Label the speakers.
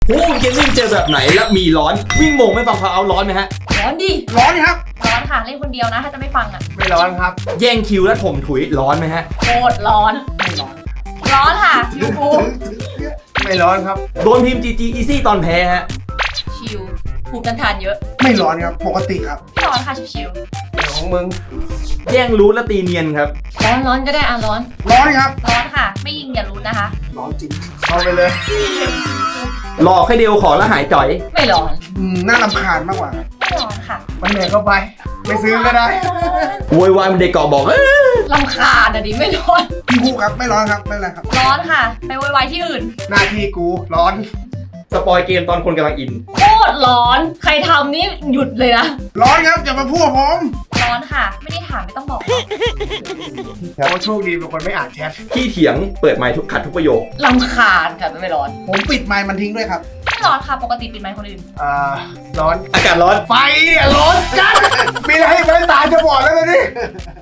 Speaker 1: โอ้เกมมิ่งเจอแบบไหนแล้วมีร้อนวิ่งโมงไม่ฟังพาวเอาร้อนไหมฮะ
Speaker 2: ร้อนดิ
Speaker 3: ร้อนครับ
Speaker 2: ร้อนค่ะเล่นคนเดียวนะถ้าจะไม่ฟังอ่ะ
Speaker 3: ไม่ร้อนครับ
Speaker 1: แย่งคิวแล้วถมถุยร้อนไหมฮะ
Speaker 2: โคตรร้อน
Speaker 3: ไม่ร้อน
Speaker 2: ร้อนค่ะชิวฟู
Speaker 3: ไม่ร้อนครับ
Speaker 1: โดนพิมพ์ GG Easy ตอนแพ้ฮะ
Speaker 2: ชิวภูมิต้านทานเยอะ
Speaker 3: ไม่ร้อนครับปกติครับ
Speaker 2: ไม่ร้อนค่ะชิว
Speaker 3: เดี๋ยวของมึง
Speaker 1: แย่งรูทและตีเนียนครับ
Speaker 2: ร้อนก็ได้อ่ะร้อน
Speaker 3: ครับ
Speaker 2: ร้อนค่ะไม่ยิงอย่ารู้นะคะ
Speaker 3: ร้อนจริงเอาไปเลย
Speaker 1: หลอกให้เดียวขอแล้วหายจ่อย
Speaker 2: ไม่ร้อน
Speaker 3: น่ารำคาญมากกว่า
Speaker 2: ไม่ร้อนค่ะ
Speaker 3: มันเหนื่อยเข้าไปไม่ซื้อก็ได้
Speaker 1: โวยวายมันเด็กเกาะบอก
Speaker 2: รำคาญอ่ะดิไม่ร้อน
Speaker 3: พี่กูครับไม่ร้อนครับไม่เป็นไรครับ
Speaker 2: ร้อนค่ะไปโวยวายที่อื่น
Speaker 3: หน้าที่กูร้อน
Speaker 1: สปอยเกมตอนคนกำลังอิน
Speaker 2: โคตรร้อนใครทำนี่หยุดเลยนะ
Speaker 3: ร้อนครับอย่ามาพูดผม
Speaker 2: ร้อนค่ะไม่ได้ถามไม่ต้องบอก
Speaker 3: เขาโชคดีเป็นคนไม่อ่านแชท
Speaker 1: ขี้เถียงเปิดไมค์ทุกขัดทุกประโยค
Speaker 2: รำคาญค่ะไม่ร้อน
Speaker 3: ผมปิดไมค์มันทิ้งด้วยครับ
Speaker 2: ไม่ร้อนค่ะปกติปิดไมค์คนอื่น
Speaker 3: ร้อน
Speaker 1: อากาศร้อน
Speaker 3: ไฟเนี่ยร้อนจัดมีอะไรให้ไฟตายจะบอดแล้วเลยนี่